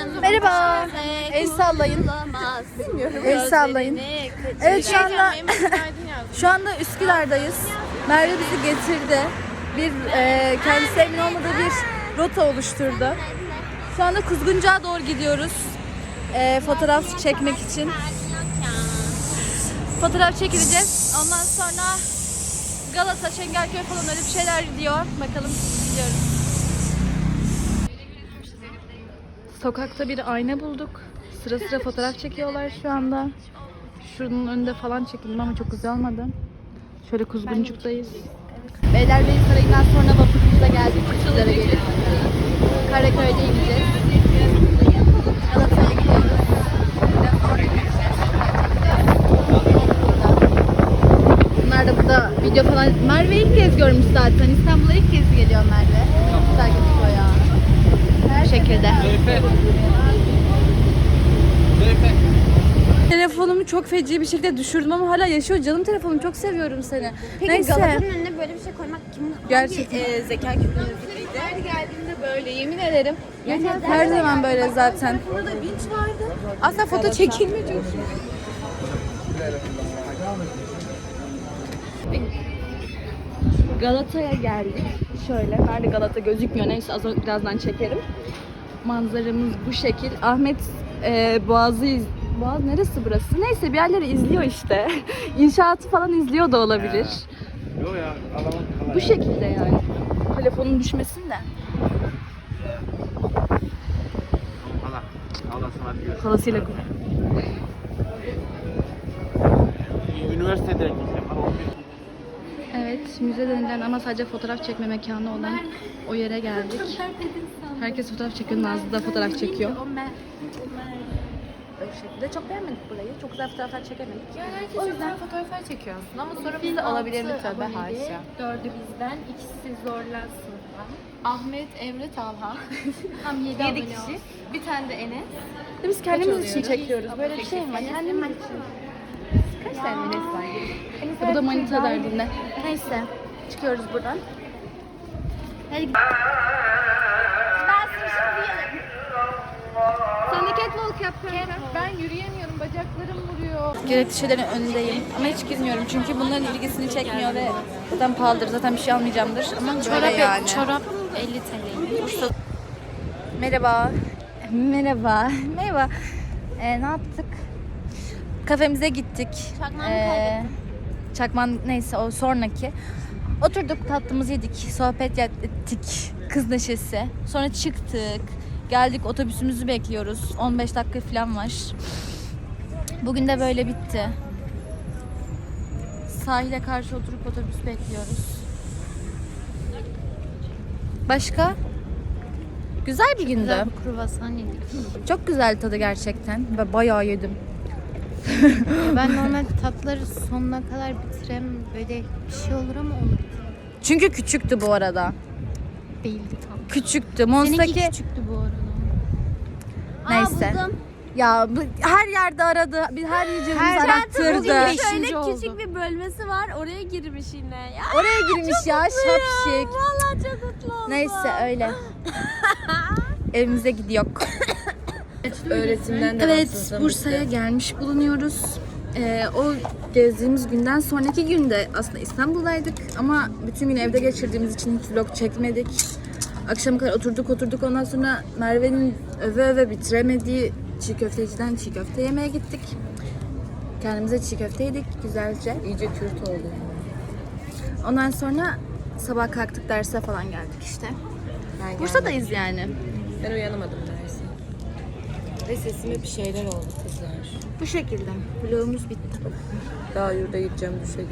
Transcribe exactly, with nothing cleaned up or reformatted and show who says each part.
Speaker 1: Merhaba. El sallayın. Bilmiyorum. El sallayın. Evet şu anda şu anda Üsküdar'dayız. Merve bizi getirdi. Bir e, kendisi emin olmadığı bir rota oluşturdu. Şu anda Kuzguncu'ya doğru gidiyoruz. E, fotoğraf çekmek için. Fotoğraf çekileceğiz. Ondan sonra Galata, Çengelköy falan öyle bir şeyler diyor. Bakalım gidiyoruz. Sokakta bir ayna bulduk. Sıra sıra fotoğraf çekiyorlar şu anda. Şunun önünde falan çekildim ama çok güzel olmadı. Şöyle Kuzguncuk'tayız. Beylerbeyi Sarayı'ndan sonra vapurumuza geldik. Üsküdar'a gelip Karaköy'de ineceğiz. Galata'ya gidiyoruz. Bunlar da burada video falan. Merve ilk kez görmüş zaten. İstanbul'a ilk kez geliyor Merve. Çok güzel gözüküyor ya. Bu şekilde. Telefonumu çok feci bir şekilde düşürdüm ama hala yaşıyor. Canım telefonum, çok seviyorum seni.
Speaker 2: Peki
Speaker 1: Neyse.
Speaker 2: Galata'nın önüne böyle bir şey koymak kimin
Speaker 1: Gerçekten.
Speaker 2: hangi e, zeka küpünüzdeydi?
Speaker 1: Her geldiğimde böyle, yemin ederim.
Speaker 2: Gerçekten.
Speaker 1: Her zaman böyle zaten.
Speaker 2: Burada vinç vardı. Aslında foto çekilme çok.
Speaker 1: Galata'ya geldik. Şöyle, nerede Galata gözükmüyor. Neyse az önce birazdan çekerim. Manzaramız bu şekil. Ahmet e, Boğaz'ı iz... Boğaz neresi burası? Neyse bir yerleri izliyor işte. İnşaatı falan izliyor da olabilir.
Speaker 3: Yok ya, alalım.
Speaker 1: Bu şekilde yani. Telefonun düşmesin de.
Speaker 3: Hala. Halasın hadi görüşürüz.
Speaker 1: Halasıyla konuş.
Speaker 3: Üniversitede gideceğim.
Speaker 1: Evet, müze denilen ama sadece fotoğraf çekme mekanı olan o yere geldik. Herkes fotoğraf çekiyor, Nazlı da fotoğraf çekiyor. Böyle şekilde çok beğenmedik burayı. Çok güzel fotoğraflar çekemedik.
Speaker 2: Ya herkes o yüzden fotoğraflar çekiyorsun ama sonra biz de olabilir mi tabii haşa. Dördü bizden, ikisi zorla sınıftan. Ahmet, Emre, Talha. Tam yedi, yedi kişi. Bir tane de Enes.
Speaker 1: Biz kendimiz için çekiyoruz. Böyle bir şey mi? Kendimiz için.
Speaker 2: Kaç tane Enes var?
Speaker 1: Bu da manita derdinde. Neyse, çıkıyoruz buradan.
Speaker 2: Hadi gidelim. Ben şimdi Sen de catwalk yap kanka. Ben yürüyemiyorum, bacaklarım vuruyor.
Speaker 1: Gerekli şeylerin önündeyim ama hiç girmiyorum çünkü bunların ilgisini çekmiyor ve zaten pahalıdır. Zaten bir şey almayacağımdır ama
Speaker 2: Çorap,
Speaker 1: böyle yani.
Speaker 2: çorap elli TL.
Speaker 1: Merhaba. Merhaba. Merhaba. Ee, ne yaptık? Kafemize gittik.
Speaker 2: Çakmağımı
Speaker 1: Ee,
Speaker 2: kaybettim.
Speaker 1: Çakman neyse o sonraki. Oturduk, tatlımızı yedik, sohbet ettik, kız neşesi. Sonra çıktık, geldik, otobüsümüzü bekliyoruz. on beş dakika falan var. Bugün de böyle bitti. Sahile karşı oturup otobüs bekliyoruz. Başka? Güzel bir gündü.
Speaker 2: Güzel bir kruvasan yedik.
Speaker 1: Çok güzel tadı gerçekten. Ben bayağı yedim.
Speaker 2: Ya ben normal tatları sonuna kadar bitirem, böyle bir şey olur ama onu
Speaker 1: Çünkü küçüktü bu arada.
Speaker 2: değildi tam.
Speaker 1: Küçüktü.
Speaker 2: Seninki
Speaker 1: Monstaki...
Speaker 2: küçüktü bu arada.
Speaker 1: Neyse.
Speaker 2: Aa, buldum.
Speaker 1: Ya bu, her yerde aradı. Bir her yiyeceğimizi arattırdı.
Speaker 2: Şöyle
Speaker 4: Şöyle
Speaker 2: küçük
Speaker 4: bir bölmesi var. Oraya girmiş yine. Ya
Speaker 1: Oraya girmiş ya şapşik.
Speaker 4: vallahi çok mutlu oldum.
Speaker 1: Neyse öyle. Evimize gidiyor.
Speaker 4: Öğretimden de
Speaker 1: Evet, Bursa'ya gelmiş bulunuyoruz. Ee, o gezdiğimiz günden sonraki günde aslında İstanbul'daydık ama bütün gün evde geçirdiğimiz için hiç vlog çekmedik. Akşam kadar oturduk oturduk ondan sonra Merve'nin öve öve bitiremediği çiğ köfteciden çiğ köfte yemeye gittik. Kendimize çiğ köfte yedik güzelce.
Speaker 4: iyice Kürt oldu.
Speaker 1: Ondan sonra sabah kalktık derse falan geldik işte.
Speaker 4: Ben
Speaker 1: Bursa'dayız yani.
Speaker 4: Ben uyanamadım dersin. Ve sesime bir şeyler oldu kızlar.
Speaker 1: Bu şekilde. Vlogumuz bitti.
Speaker 4: Daha yurda gideceğim düşe